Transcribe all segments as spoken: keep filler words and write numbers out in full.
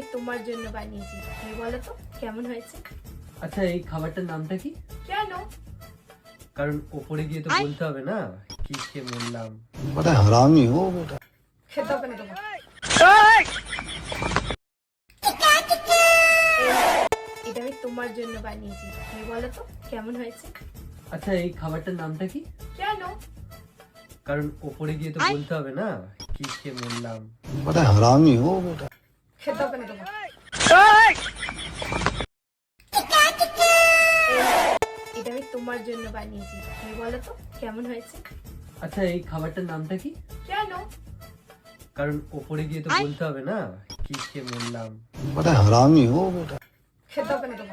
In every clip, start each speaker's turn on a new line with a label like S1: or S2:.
S1: তোমার জন্য বানিয়েছি, তুমি বলো তো কেমন হয়েছে।
S2: আচ্ছা, এই খাবারটার নামটা কি?
S1: কেন?
S2: কারণ ওপরে গিয়ে তো বলতে হবে না কি খেয়ে মরলাম।
S3: बड़ा हरामी हो बेटा।
S1: খেতে হবে না তোমার। এটা আমি তোমার জন্য বানিয়েছি, তুমি বলো তো কেমন হয়েছে।
S2: আচ্ছা, এই খাবারটার নামটা কি?
S1: কেন?
S2: কারণ ওপরে গিয়ে তো বলতে হবে না কি খেয়ে মরলাম।
S3: बड़ा हरामी हो बेटा।
S1: খেতে হবে না তোমার। এটা আমি তোমার জন্য বানিয়েছি, তুমি বলো তো কেমন হয়েছে।
S2: আচ্ছা, এই খাবারটার নামটা কি?
S1: কেন?
S2: কারণ ওপরে গিয়ে তো বলতে হবে না কি খেয়ে মরলাম।
S3: बड़ा हरामी हो बेटा।
S1: খেতে হবে না তোমার।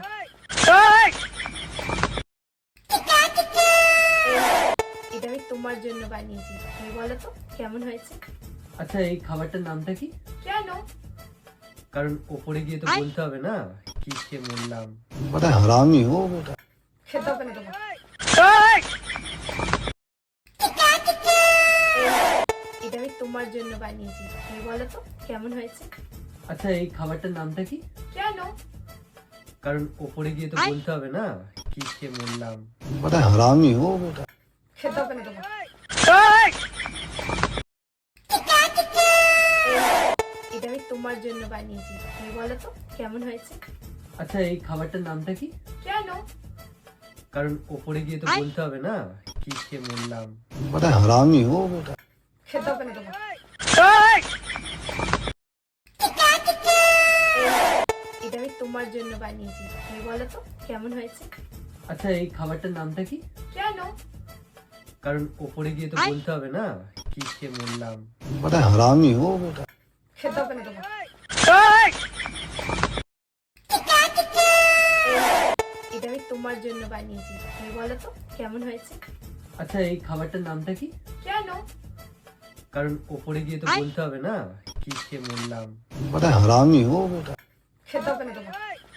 S1: এটা আমি তোমার জন্য বানিয়েছি, তুমি বলো তো কেমন হয়েছে।
S2: আচ্ছা, এই খাবারটার নামটা কি?
S1: কেন?
S2: কারণ ওপরে গিয়ে তো বলতে হবে না কি খেয়ে মরলাম।
S3: बड़ा हरामी हो बेटा।
S1: খেতে হবে না তোমার। এটা আমি তোমার জন্য বানিয়েছি, তুমি বলো তো কেমন হয়েছে।
S2: আচ্ছা, এই খাবারটার নামটা কি?
S1: কেন?
S2: কারণ ওপরে গিয়ে তো বলতে হবে না কি খেয়ে মরলাম।
S3: बड़ा हरामी हो बेटा।
S1: খেতে হবে না তোমার। এটা আমি তোমার জন্য বানিয়েছি, তুমি বলো তো কেমন হয়েছে।
S2: আচ্ছা, এই খাবারটার নামটা কি?
S1: কেন?
S2: কারণ ওপরে গিয়ে তো বলতে হবে না কি খেয়ে মরলাম।
S3: बड़ा हरामी हो बेटा।
S1: খেতে হবে না তোমার। এটা আমি তোমার জন্য বানিয়েছি, তুমি বলো তো কেমন হয়েছে।
S2: আচ্ছা, এই খাবারটার নামটা কি?
S1: কেন?
S2: কারণ ওপরে গিয়ে তো বলতে হবে না কি খেয়ে মরলাম।
S3: बड़ा हरामी हो बेटा।
S1: খেতে হবে না তোমার। এটা আমি তোমার জন্য বানিয়েছি, তুমি বলো তো কেমন হয়েছে।
S2: আচ্ছা, এই খাবারটার নামটা কি?
S1: কেন?
S2: কারণ ওপরে গিয়ে তো বলতে হবে না কি খেয়ে মরলাম।
S3: बड़ा हरामी हो बेटा।
S1: খেতে হবে না তোমার।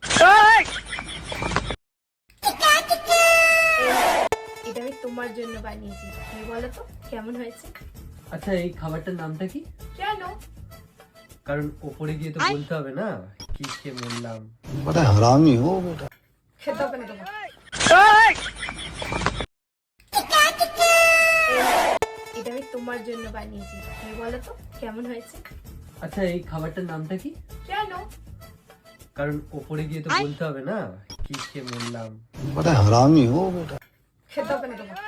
S1: এটা আমি তোমার জন্য বানিয়েছি, তুমি বলো তো কেমন হয়েছে।
S2: আচ্ছা, এই খাবারটার নামটা কি?
S1: কেন?
S2: কারণ ওপরে গিয়ে তো বলতে হবে না কি খেয়ে মরলাম।
S3: बड़ा हरामी हो बेटा।
S1: খেতে হবে না তোমার। এটা আমি তোমার জন্য বানিয়েছি, তুমি বলো তো কেমন হয়েছে।
S2: আচ্ছা, এই খাবারটার নামটা কি?
S1: কেন?
S2: কারণ ওপরে গিয়ে তো বলতে হবে না কি খেয়ে মরলাম।
S3: बड़ा हरामी हो बेटा।
S1: খেতে হবে না তোমার।